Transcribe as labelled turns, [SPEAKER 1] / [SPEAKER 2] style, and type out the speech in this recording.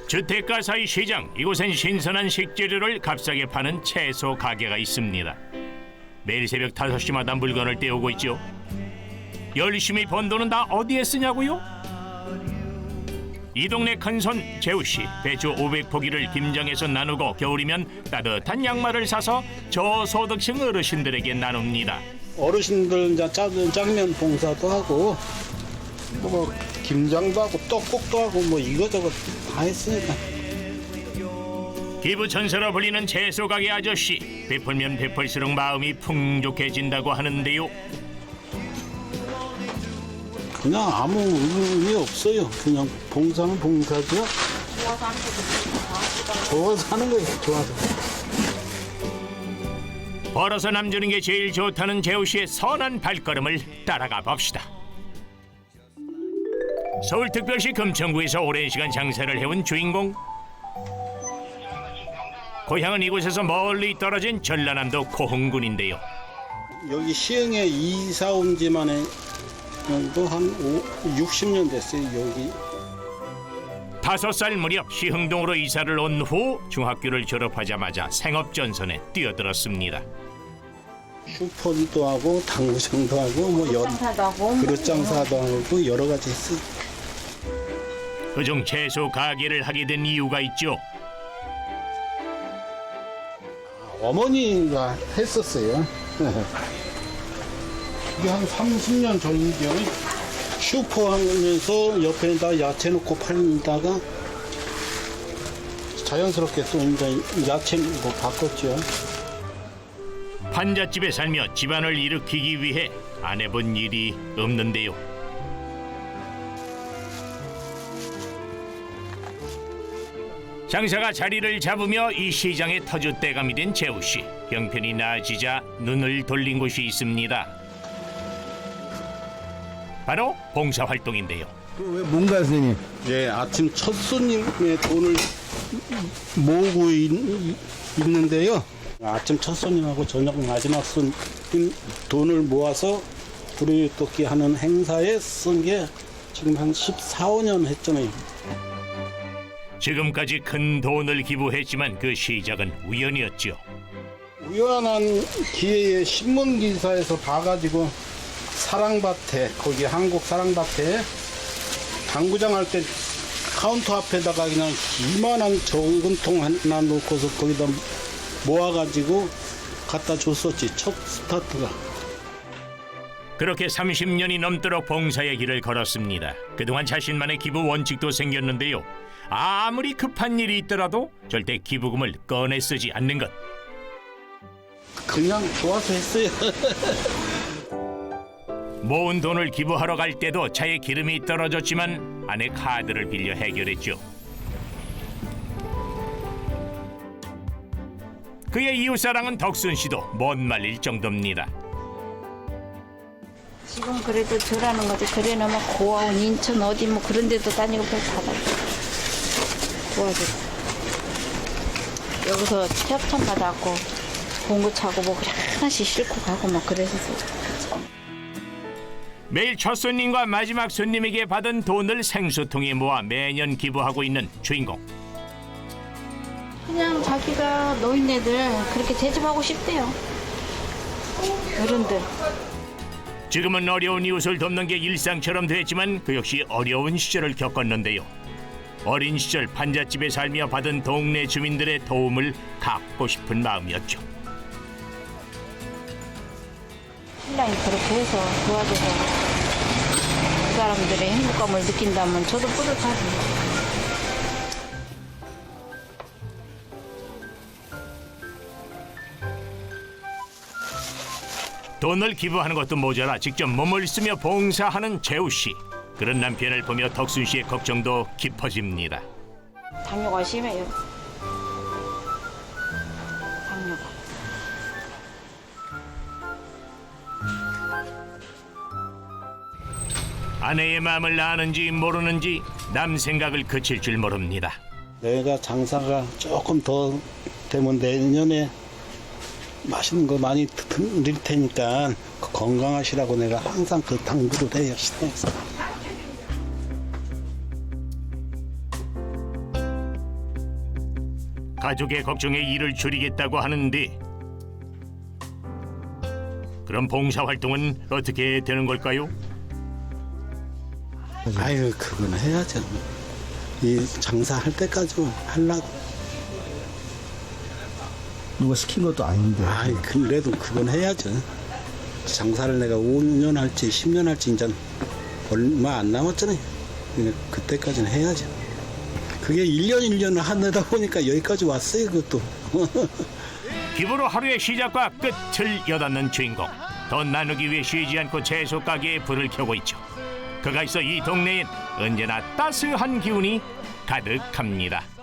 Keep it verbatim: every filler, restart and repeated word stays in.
[SPEAKER 1] 주택가 사이 시장, 이곳엔 신선한 식재료를 값싸게 파는 채소 가게가 있습니다. 매일 새벽 다섯 시마다 물건을 떼오고 있죠. 열심히 번 돈은 다 어디에 쓰냐고요? 이 동네 큰손 재우씨, 배추 오백 포기를 김장해서 나누고 겨울이면 따뜻한 양말을 사서 저소득층 어르신들에게 나눕니다.
[SPEAKER 2] 어르신들 이제 짜는 장면 봉사도 하고 뭐 김장도 하고 떡국도 하고 뭐 이거저거 다 했으니까.
[SPEAKER 1] 기부천사로 불리는 채소 가게 아저씨, 베풀면 베풀수록 마음이 풍족해진다고 하는데요.
[SPEAKER 2] 그냥 아무 의미 없어요. 그냥 봉사는 봉사죠. 좋아서 하는 거예요. 좋아서.
[SPEAKER 1] 벌어서 남주는 게 제일 좋다는 재우씨의 선한 발걸음을 따라가 봅시다. 서울특별시 금천구에서 오랜 시간 장사를 해온 주인공. 고향은 이곳에서 멀리 떨어진 전라남도 고흥군인데요.
[SPEAKER 2] 여기 시흥에 이사 온 지만에 한 육십 년 됐어요. 여기.
[SPEAKER 1] 다섯 살 무렵 시흥동으로 이사를 온 후 중학교를 졸업하자마자 생업전선에 뛰어들었습니다.
[SPEAKER 2] 슈퍼도 하고 당구장도 하고 뭐 여, 그릇 장사도 하고 여러 가지 했어요.
[SPEAKER 1] 그중 채소 가게를 하게 된 이유가 있죠.
[SPEAKER 2] 어머니가 했었어요. 이게 한 삼십 년 전이죠. 슈퍼 하면서 옆에다 야채 넣고 팔다가 자연스럽게 또 이제 야채로 바꿨죠.
[SPEAKER 1] 판잣집에 살며 집안을 일으키기 위해 안 해본 일이 없는데요. 장사가 자리를 잡으며 이 시장의 터줏대감이 된 재우씨. 형편이 나아지자 눈을 돌린 곳이 있습니다. 바로 봉사활동인데요.
[SPEAKER 3] 왜 뭔가 선생님?
[SPEAKER 2] 예, 아침 첫 손님의 돈을 모으고 있, 있는데요. 아침 첫 손님하고 저녁 마지막 손님 돈을 모아서 구레toki 하는 행사에 쓴 게 지금 한 십사, 오 년 했잖아요.
[SPEAKER 1] 지금까지 큰 돈을 기부했지만 그 시작은 우연이었죠.
[SPEAKER 2] 우연한 기회에 신문 기사에서 봐가지고 사랑밭에, 거기 한국 사랑밭에 당구장 할 때 카운터 앞에다가 그냥 이만한 정금통 하나 놓고서 거기다 모아가지고 갖다 줬었지, 첫 스타트가.
[SPEAKER 1] 그렇게 삼십 년이 넘도록 봉사의 길을 걸었습니다. 그동안 자신만의 기부 원칙도 생겼는데요. 아무리 급한 일이 있더라도 절대 기부금을 꺼내 쓰지 않는 것.
[SPEAKER 2] 그냥 좋아서 했어요.
[SPEAKER 1] 모은 돈을 기부하러 갈 때도 차에 기름이 떨어졌지만 아내 카드를 빌려 해결했죠. 그의 이웃사랑은 덕순 씨도 못 말릴 정도입니다.
[SPEAKER 4] 지금 그래도 저라는 거지. 그래놓으면 고아원 인천 어디 뭐 그런 데도 다니고 별 받아. 도와줘. 여기서 협찬 받아갖고 공구 차고 뭐 그래 하나씩 싣고 가고 막 그랬었어.
[SPEAKER 1] 매일 첫 손님과 마지막 손님에게 받은 돈을 생수통에 모아 매년 기부하고 있는 주인공.
[SPEAKER 4] 그냥 자기가 노인네들 그렇게 대접하고 싶대요. 어른들.
[SPEAKER 1] 지금은 어려운 이웃을 돕는 게 일상처럼 됐지만 그 역시 어려운 시절을 겪었는데요. 어린 시절 판잣집에 살며 받은 동네 주민들의 도움을 갚고 싶은 마음이었죠.
[SPEAKER 4] 신랑이 그렇게 해서 도와줘서 그 사람들의 행복감을 느낀다면 저도 뿌듯하지.
[SPEAKER 1] 돈을 기부하는 것도 모자라 직접 몸을 쓰며 봉사하는 재우씨. 그런 남편을 보며 덕순 씨의 걱정도 깊어집니다.
[SPEAKER 4] 당뇨가 심해요. 당뇨가.
[SPEAKER 1] 아내의 마음을 아는지 모르는지 남 생각을 그칠 줄 모릅니다.
[SPEAKER 2] 내가 장사가 조금 더 되면 내년에 맛있는 거 많이 드릴 테니까 건강하시라고 내가 항상 그 당부를 해요, 시내에서.
[SPEAKER 1] 가족의 걱정에 일을 줄이겠다고 하는데 그럼 봉사활동은 어떻게 되는 걸까요?
[SPEAKER 2] 아유, 그건 해야죠. 이 장사할 때까지 하려고.
[SPEAKER 3] 누가 시킨 것도 아닌데.
[SPEAKER 2] 아이, 그래도 그건 해야죠. 장사를 내가 오 년 할지 십 년 할지 이제 얼마 안 남았잖아요. 그러니까 그때까지는 해야죠. 그게 일 년 일 년을 하다 보니까 여기까지 왔어요, 그것도.
[SPEAKER 1] 기부로 하루의 시작과 끝을 여닫는 주인공. 돈 나누기 위해 쉬지 않고 채소 가게에 불을 켜고 있죠. 그가 있어 이 동네엔 언제나 따스한 기운이 가득합니다.